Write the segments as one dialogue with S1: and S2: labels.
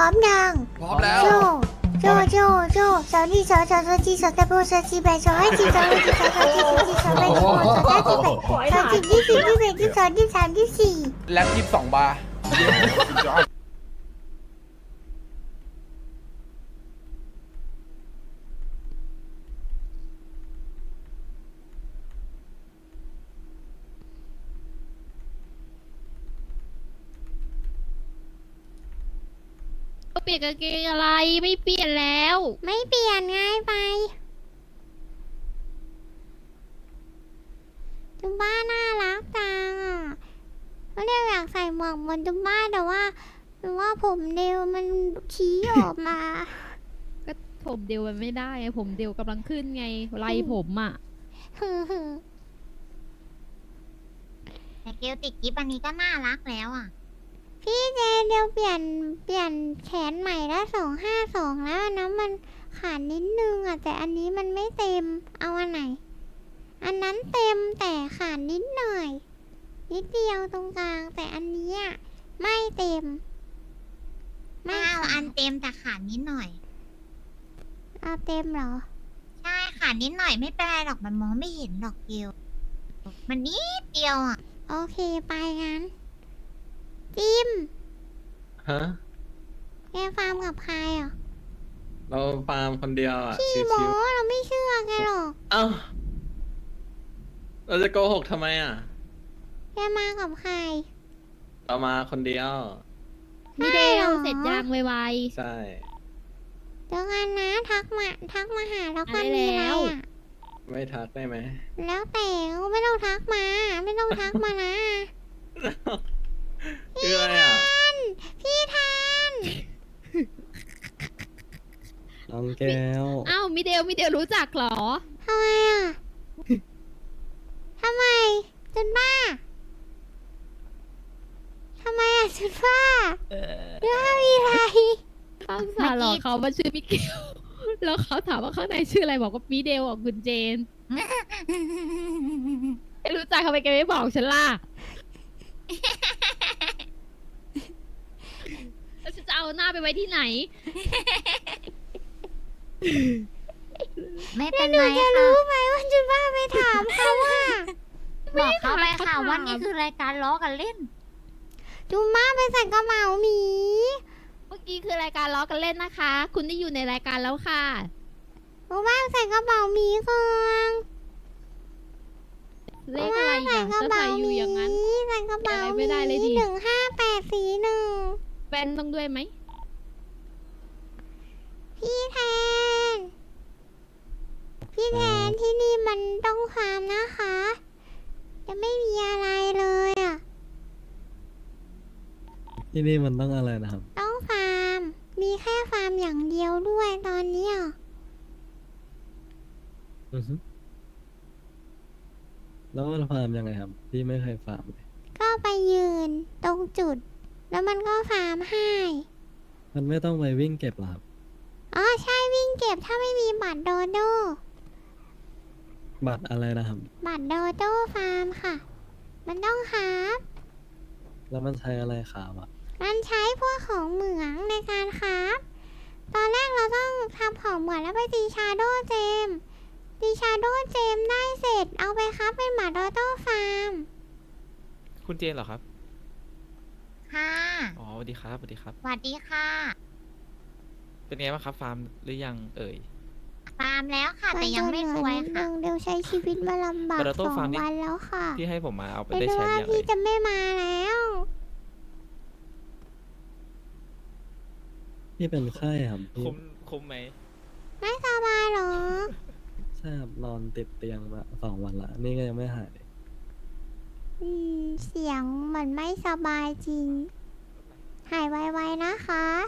S1: ร้อมยัง
S2: พร้อมแล้ว
S1: โจโจสาวนี่สาวจีสาวตะโบสาวจีแบสาวให้จีสาวให้จีสาวจีสาวแบสาวสาวจีแบสาวจีที่สี่ที่แบที่สองที่สามที่สี่
S2: แล็บ22 บาร์
S3: เปลี่ยนกางเกงอะไรไม่เปลี่ยนแล้ว
S1: ไม่เปลี่ยนง่ายไปจุมบ้าน่ารักจังอ่ะก็เรียกอยากใส่หมวกเหมือนจุมบ้าแต่ว่าผมเดวมันชี้ออกมา
S3: ก็ผมเดียวมันไม่ได้ไงผมเดียวกำลังขึ้นไงไล่ผมอ่ะ
S4: แต่เกลติดกิฟอันนี้ก็น่ารักแล้วอ่ะ
S1: พี่เจเดียวเปลี่ยนแขนใหม่แล้ว252แล้วอันนั้นมันขาดนิดนึงอ่ะแต่อันนี้มันไม่เต็มเอาอันไหน อันนั้นเต็มแต่ขาดนิดหน่อย นิดเดียวตรงกลางแต่อันนี้อ่ะไม่เต็ม
S4: ไม่เอาอันเต็มแต่ขาดนิดหน่อย
S1: เอาเต็มเหรอ
S4: ใช่ขาดนิดหน่อยไม่เป็นไรหรอกมันมองไม่เห็นหรอกเกลมันนิดเดียวอ่ะ
S1: โอเคไปงั้นจิม
S5: ฮะ
S1: แกฟาร์มกับใครอ่ะ
S5: เราฟาร์มคนเดียวอ่ะ
S1: พี่
S5: ชิ
S1: โม
S5: ว
S1: เราไม่เชื่อแกหรอก
S5: ๆเอ้า เราจะโกหกทำไมอ่ะ
S1: แกมากับใคร
S5: เรามาคนเดียว
S3: ไม่เด
S1: หร
S3: ว
S1: อ
S3: เสร็จยางไว
S5: ใช่
S1: เดี๋ยวกันนะทักมาหาแล้วกัน
S3: ได้
S1: มีอะไร
S3: แล้ว
S1: อ่ะ
S5: ไม่ทักได้ไหม
S1: แล้วแต่ไม่ต้องทักมา ไม่ต้องทักมานะ
S5: คืออะไรอ่ะ
S1: พี่ทัน
S5: น้องแก้ว
S3: ๆอ้าวมิเดลรู้จักเหรอ
S1: ทำไมอ่ะทำไมจุนบ้าทำไมอ่ะจุนบ้าเรื่องมีอะไร
S3: ข้างสารหลอกเขามาชื่อมิเกล แล้วเขาถามว่าข้างในชื่ออะไรบอกว่ามิเดลกับคุณเจนไม่รู้จักเขาไปแกไม่บอกฉันล่ะแล้วฉันจะเอาหน้าไปไว้ที่ไหน
S4: ไม่
S1: แล้
S4: เป็
S1: วน หนู
S4: ไร
S1: จะ
S4: ค่ะ
S1: รู้ไหมว่าจุนบ้าไปถามเขาว่า
S4: บอกเขาไปค่ะ
S3: เขาถาม
S4: ว่านี่คือรายการล้อกันเล่น
S1: จุนบ้าไปใส่กระเป๋าหมี
S3: เมื่อกี้คือรายการล้อกันเล่นนะคะ คุณได้อยู่ในรายการแล้วค่ะ
S1: จุนบ้าใส่กระเป๋าหมีก่อน
S3: เลขอะไร
S1: ใส่
S3: อย่าง
S1: กระ
S3: จะ
S1: เป๋า
S3: ใส่อ
S1: ห
S3: ยู่
S1: มี
S3: อย่างนั้น
S1: ใส่กระเป๋า
S3: อะไร
S1: ห
S3: ไม่ได้เลยดิ
S1: 15841
S3: แบนต้องด้วยไหม
S1: พี่แทน พี่แทนที่นี่มันต้องฟาร์มนะคะ จะไม่มีอะไรเลยอ่ะ
S5: ที่นี่มันต้องอะไรนะครับ
S1: ต้องฟาร์ม มีแค่ฟาร์มอย่างเดียวด้วยตอนเนี้ย
S5: อือฮึแล้วมันฟาร์มยังไงครับ พี่ไม่เคยฟาร์มเลย
S1: ก็ไปยืนตรงจุด แล้วมันก็ฟาร์มให้
S5: มันไม่ต้องไปวิ่งเก็บหรอครับ
S1: อ๋อใช่วิ่งเก็บถ้าไม่มีบัตรโดโด
S5: บัตรอะไรนะครับ
S1: บัตรโดโดฟาร์มค่ะ มันต้องครับ
S5: แล้วมันใช้อะไรขาวอ่ะ
S1: มันใช้พวกของเหมืองในการครับ ตอนแรกเราต้องทำของเหมืองแล้วไปตีชาโดเจม ตีชาโดเจมได้เสร็จ เอาไปครับเป็นบัตรโดโดฟาร์ม
S6: คุณเจนเหรอครับ
S4: ค่ะ
S6: อ๋อสวัสดีครับสวัสดีครับ
S4: สวัสดีค่ะ
S6: เป็นไงบ้างครับฟาร์มหรือยังเอ่ย
S4: ฟาร์มแล้วค่ะ แต่ยังไม่รวยค่ะ
S1: เดี๋ยวใช้ชีวิตมาลำบาก
S6: โปเตโต้
S1: 2
S6: ฟาร์มนี่
S1: วันแล้วค่ะ
S6: ที่ให้ผมมาเอาไป
S1: เป็น
S6: ได้ใช้
S1: ว่า
S6: ยัง
S1: พี่
S6: เอ่ย
S1: จะไม่มาแล้ว
S5: พี่เป็นไข้ครับพี่
S6: คุ้มไหม
S1: ไม่สบายเหรอ
S5: ใช่ครับนอนติดเตียงมา2 วันละ นี่ก็ยังไม่หายเลย
S1: เสียงเหมือนไม่สบายจริง หายไวๆนะคะ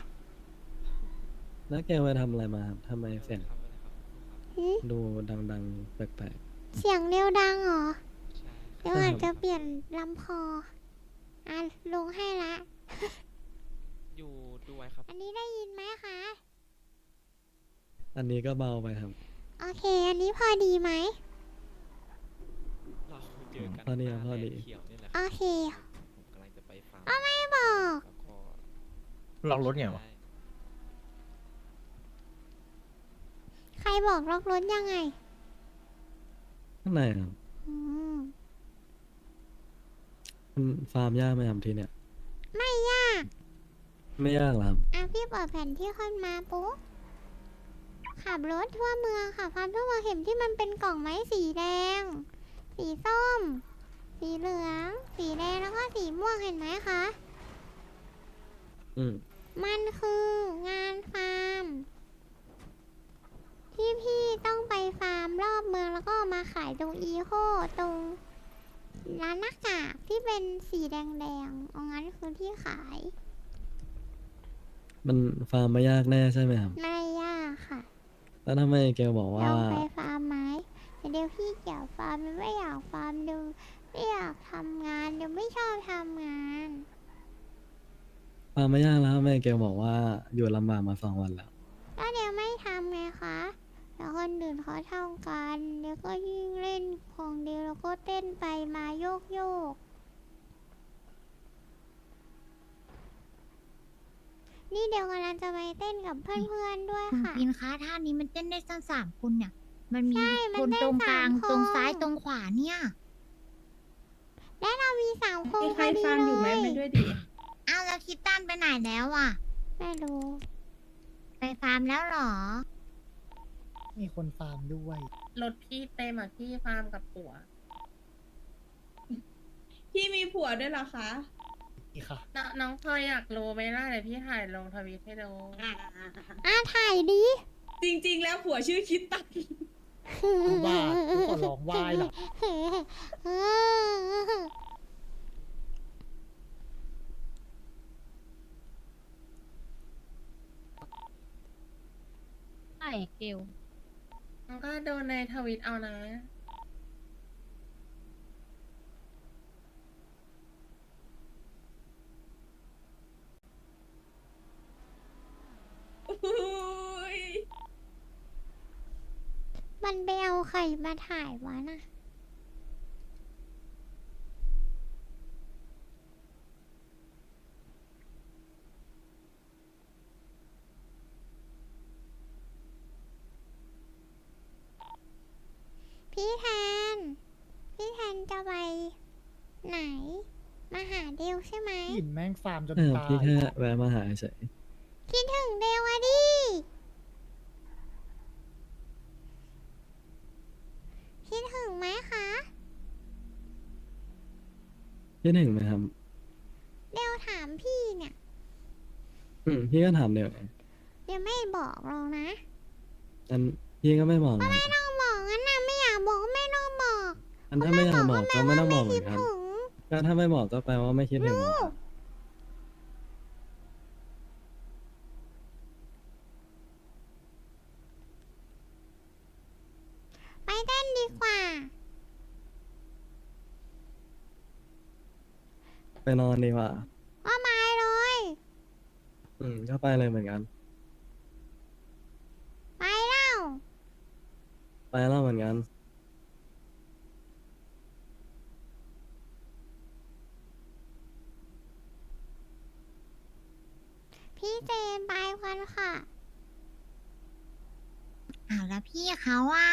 S5: แล้วแกไปทำอะไรมาครับทำไมเสียง
S1: หึ
S5: ดูดังๆ แปลก
S1: เสียงเร็วดังเหรอ เดี๋ยว
S5: ใช่
S1: อาจ
S5: ครั
S1: จะ
S5: บ
S1: เปลี่ยนลำคอ อ่ะลงให้ละ
S6: อยู่ดูไว้ครับ
S1: อันนี้ได้ยินไหมคะ
S5: ๆ อันนี้ก็เบาไปครับ
S1: โอเค อันนี้พอดีไหม
S6: เราเจอกัน
S5: พอดี
S6: หน้า
S5: พอดี
S6: แลนด์เขียวนี่แหละ
S1: โอเค
S6: ผมกำลังจะไปฟาร์ม
S1: ไม่บอก
S6: แล้วก็
S2: ล็อกรถไงวะ
S6: ได้
S1: บอกล็อกรถยังไง
S5: ข้างในครับ
S1: อืม
S5: มันฟาร์มยากไหมครับทีเนี้ย
S1: ไม่ยาก
S5: ไม่ยากหรอครับ
S1: อ่ะพี่เปิดแผนที่ขึ้นมาปุ๊บขับรถทั่วเมืองค่ะพันทั่วเมืองเห็นที่มันเป็นกล่องไม้สีแดง สีส้ม สีเหลือง สีแดงแล้วก็สีม่วงเห็นไหมคะ
S5: อืม
S1: มันคืองานฟาร์ม ที่พี่ต้องไปฟาร์มรอบเมืองแล้วก็เอามาขายตรงอีโคตรงร้านหน้ากากที่เป็นสีแดงๆเอางั้นคือที่ขาย
S5: มันฟาร์มไม่ยากแน่ใช่ไหมครับ
S1: ไม่ยากค่ะ
S5: แล้วทำไมเกลบอกว่า
S1: ลองไปฟาร์มไหมแต่เดี๋ยวพี่เกี่ยวฟาร์มไม่อยากฟาร์มเดี๋ยวไม่อยากทำงานเดี๋ยวไม่ชอบทำงาน
S5: ฟาร์มไม่ยากแล้วทำไมเกลบอกว่าอยู่ลำบากมา2 วันแล้ว
S1: ก็เดี๋ยวไม่ทำไงคะแล้วคนอื่นเขาทำกันเดี๋ยวก็ยิ่งเล่นของเดียวแล้วก็เต้นไปมาโยกโยก นี่เดี๋ยวกำลังจะไปเต้นกับเพื่อนๆด้วย
S4: คุณ
S1: ค่ะ
S4: ปินคะท่านี้มันเต้นได้สั้น3 คนเนี่ย มันมี
S1: ใช่มัน
S4: คน
S1: ได้
S4: ตรงกลาง
S1: 3 คน
S4: ตรงซ้ายตรงขวาเนี่ย
S1: และเรามี3 คน
S2: มี
S1: พ
S2: ใคร
S1: อดี
S2: ฟังอยู่ไหม
S1: เล
S2: ไป
S1: ย
S2: ด้วยดิ
S4: อ้าวแล้วคิดตันไปไหนแล้วอ่ะ
S1: ไม่รู้
S4: ไปฟาร์มแล้วเหรอ
S7: มีคนฟาร์มด้วย
S2: รถพี่เต็มอ่ะพี่ฟาร์มกับผัว พี่มีผัวด้วยเหรอคะ
S7: อีกค่ะ
S2: น้องพลอยอยากรู้ไหมล่ะเดี๋ยวพี่ถ่ายลงทวิตให้ดู
S1: ถ่ายดิ
S2: จริง ๆ แล้วผัวชื่อคิดตัน
S7: ว่ากูขอร้องไหว้ล่ะ
S3: ใช่เกล
S2: มันก็ดูในทวิตเอานะ อุ๊ย
S1: มันไปเอาใครมาถ่ายวะน่ะ พี่แทน พี่แทนจะไปไหน มาหาเดวใช่ไหม
S7: หินแม่งฟาร์มจน
S5: ใช่ครับ
S7: ตาย
S5: พี่แค่แวะมาหาเฉย
S1: คิดถึงเดวอะดิ คิดถึงไหมคะ
S5: คิดถึงไหมครับ
S1: เดวถามพี่เนี่ย
S5: พี่ก็ถามเดี๋ยวไง
S1: เดี๋ยวไม่บอกเรานะ
S5: อันพี่ก็ไม่บอกนะ
S1: ไม่ต้องบอกงั้นนะไม่อยากบอกก็ไม่ต้องบอก
S5: อันถ้าไม่อยากบอกก็ไม่ต้องบอกเหมื
S1: คิ
S5: อ
S1: ด
S5: นกัน
S1: ถึง
S5: ก็ถ้าไม่บอกก็แปลว่าไม่คิดถึงเหมือนกัน
S1: ไปเต้นดีกว่า
S5: ไปนอนดีกว่า
S1: ว่าไม้เลย
S5: ก็ไปเลยเหมือนกัน
S1: ไปแล้ว
S5: ไปแล้วเหมือนกัน
S1: พี่เจนไปกันค่ะ
S4: อ้าวแล้วพี่เขาอ่ะ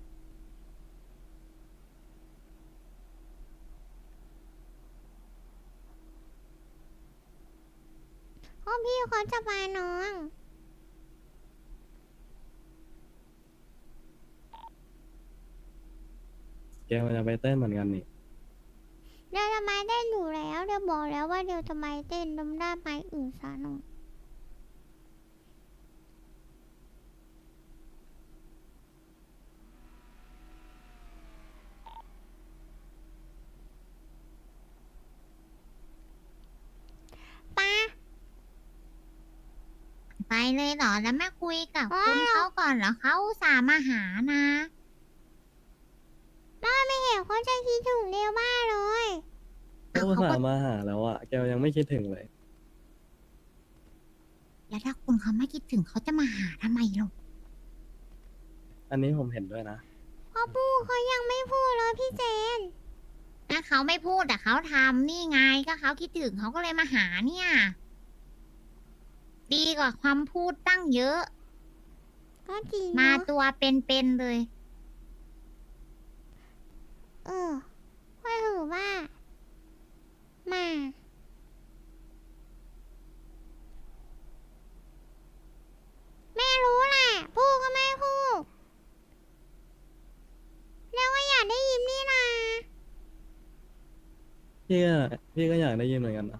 S1: เพราะพี่เขาจะไปน้อง
S5: แกมันจะไปเต้นเหมือนกันนี่
S1: เดี๋ยวจะมาเต้นอยู่แล้ว เดี๋ยวบอกแล้วว่าเดี๋ยวจะมาเต้นดมได้ไปอื่นซะหน่อยปะ
S4: ไปเลยเหรอ แล้วไม่คุยกับ
S1: ว้าว
S4: คุณเขาก่อนเหรอเขาอุตส่าห์มาหานะ
S1: ป้าไม่เห็นเขาจะคิดถึงเดียวมากเลย
S5: ก็อุตส่าห์มาหาแล้วอะแกยังไม่คิดถึงเลย
S4: แล้วถ้าคุณเขาไม่คิดถึงเขาจะมาหาทำไมหรอก
S5: อันนี้ผมเห็นด้วยนะ
S1: เพราะปูเขายังไม่พูดเลยพี่เจน
S4: ถ้าเขาไม่พูดแต่เขาทำนี่ไงก็เขาคิดถึงเขาก็เลยมาหาเนี่ย ดีกว่าความพูดตั้งเยอะ
S1: กก็จริง
S4: มา
S1: เนอะ
S4: ตัวเป็นๆเลย
S1: ก็ถือว่า มา ไม่รู้แหละ พูดก็ไม่พูดแล้วก็อยากได้ยินนี่นะ
S5: พี่ก็อยากได้ยินเหมือนกันนะ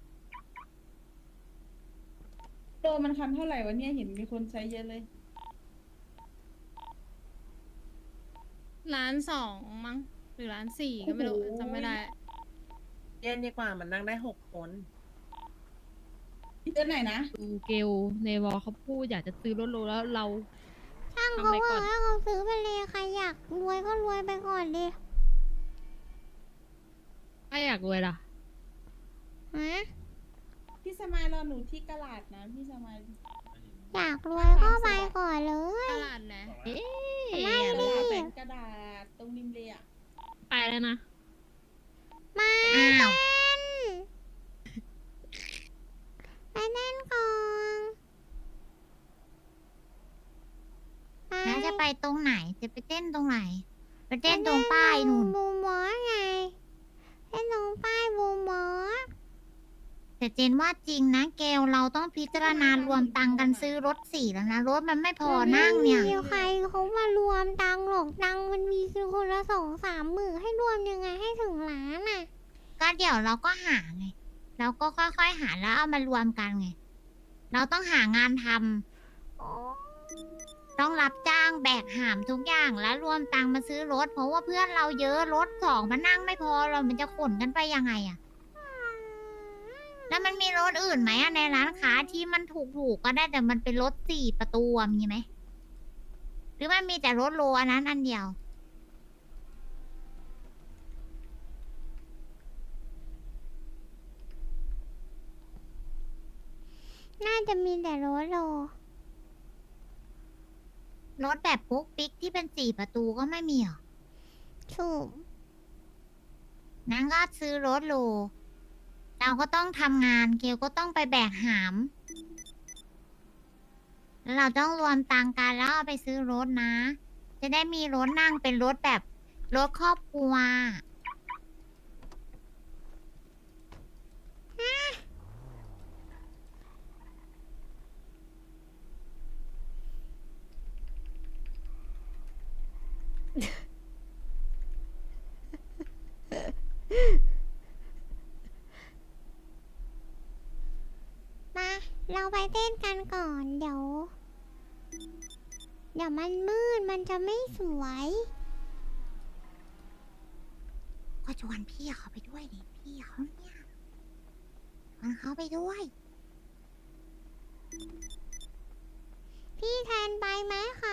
S8: โดมันคันเท่าไหร่วะเนี่ยเห็นมีคนใช้เยอะเลย
S3: 1,200,000มั้งหรือ1,400,000ก็ไม่รู้
S8: โอ้โห
S3: จำไม่ได้
S2: เย็นดีกว่ามันนั่งได้6 คน
S8: เดือนไหนนะ
S3: ดูเกลในวอลเขาพูดอยากจะซื้อรถโลแล้วเรา
S1: ช่าง
S3: ทำ
S1: เขา
S3: ไปก่
S1: ว่า
S3: อน
S1: ให้เขาซื้อไปเลยใครอยากรวยก็รวยไปก่อนดิ
S3: ไม่อยากรวยล่ะ
S1: ฮะ
S8: พี่สมายรอหนูที่กะลาดนะพี่สมาย
S1: อยากรวยก็ไปก่อนเลย
S3: ตลาดนะเอ๊ะ
S1: ไม่
S8: กะ
S1: ดิ
S8: ลาดแบงกระดาษตรงริมเลยอ่ะ
S3: ไปแล้วนะ
S1: มา
S4: อ้าว
S1: ไปเต้นก่อนไป
S4: แล้วจะไปตรงไหน จะไปเต้นตรงไหน ไปเต้นตรงป้ายนู่น
S1: บูมอสไงเต้นตรงป้ายบูมอส
S4: แต่เจนว่าจริงนะเกลเราต้องพิจารณารวมตังค์กันซื้อรถสี่แล้วนะ รถมันไม่พอนั่งเนี่ย
S1: ไม่มีใครเขามารวมตังค์หรอกตังค์มันมีคือคนละ2-3 หมื่นให้รวมยังไงให้ถึงล้านอ่ะ
S4: ก็เดี๋ยวเราก็หาไง เราก็ค่อยๆหาแล้วเอามารวมกันไง เราต้องหางานทำต้องรับจ้างแบกหามทุกอย่างแล้วรวมตังค์มาซื้อรถ เพราะว่าเพื่อนเราเยอะรถสองมานั่งไม่พอเรามันจะขนกันไปยังไงอะแล้วมันมีรถอื่นไหมอะในร้านค้าที่มันถูกๆก็ได้แต่มันเป็นรถ4 ประตูอะมีไหมหรือมันมีแต่รถโลอันนั้นอันเดียว
S1: น่าจะมีแต่รถโล
S4: รถแบบปุ๊กปิ๊กที่เป็น4 ประตูก็ไม่มีหรอ
S1: ถูก
S4: นั่นก็ซื้อรถโล เราก็ต้องทำงานเกลก็ต้องไปแบกหาม แล้วเราต้องรวมตังค์กันแล้วเอาไปซื้อรถนะ จะได้มีรถนั่งเป็นรถแบบรถครอบครัว
S1: มาเราไปเต้นกันก่อน เดี๋ยวมันมืดมันจะไม่สวย
S4: ก็ชวนพี่เขาไปด้วยดิพี่เขาเนี่ยชวนเขาไปด้วย
S1: พี่แทนไปไหมคะ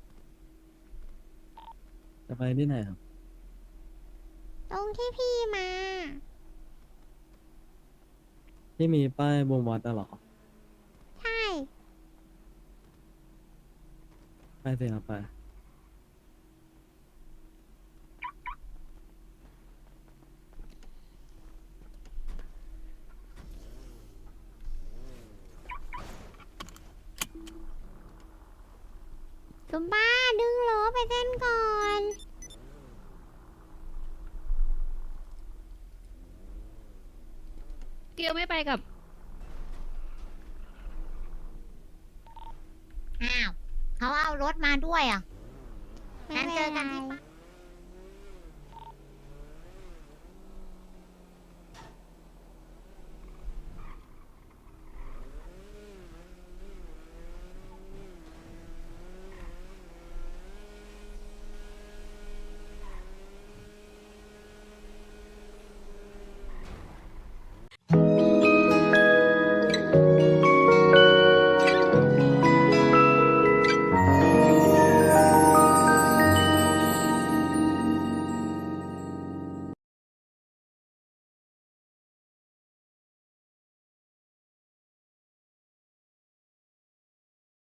S5: จะไปที่ไหนครับ
S1: ตรงที่พี่มา
S5: ที่มีป้ายบวมวัดอะเหรอ
S1: ใช่
S5: ไปสิครับไป
S1: ซุมบ้าดึงล้อไปเต้นก่อน
S3: เกลไม่ไปกับ
S4: อ้าว เขาเอารถมาด้วยอ่ะ
S1: ไม่
S4: งั้น
S1: เป็น
S4: เจอกัน
S1: ไร
S4: ที่ป้าย